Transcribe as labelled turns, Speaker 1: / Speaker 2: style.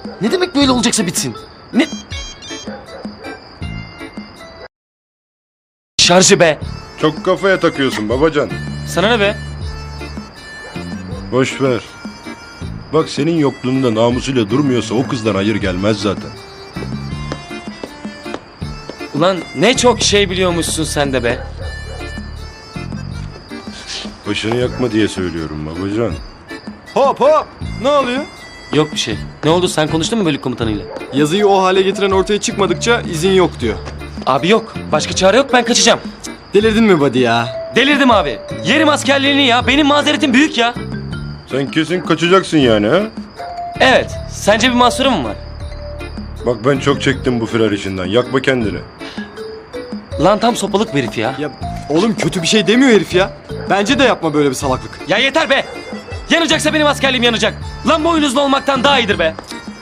Speaker 1: Ne demek böyle olacaksa bitsin? Ne? Şarjı be.
Speaker 2: Çok kafaya takıyorsun babacan.
Speaker 1: Sana ne be?
Speaker 2: Boş ver. Bak senin yokluğunda namusuyla durmuyorsa o kızdan hayır gelmez zaten.
Speaker 1: Ulan ne çok şey biliyormuşsun sen de be.
Speaker 2: Başını yakma diye söylüyorum babacan.
Speaker 3: Hop hop! Ne oluyor?
Speaker 1: Yok bir şey. Ne oldu, sen konuştun mu bölük komutanıyla?
Speaker 3: Yazıyı o hale getiren ortaya çıkmadıkça izin yok diyor.
Speaker 1: Abi yok. Başka çare yok, ben kaçacağım.
Speaker 3: Delirdin mi buddy ya?
Speaker 1: Delirdim abi. Yerim askerliğini ya. Benim mazeretim büyük ya.
Speaker 2: Sen kesin kaçacaksın yani ha?
Speaker 1: Evet. Sence bir mahsurum mu var?
Speaker 2: Bak ben çok çektim bu firar işinden. Yakma kendini.
Speaker 1: Lan tam sopalık bir herif ya.
Speaker 3: Ya oğlum kötü bir şey demiyor herif ya. Bence de yapma böyle bir salaklık.
Speaker 1: Ya yeter be. Yanacaksa benim askerliğim yanacak. Lan boynuzlu olmaktan daha iyidir be.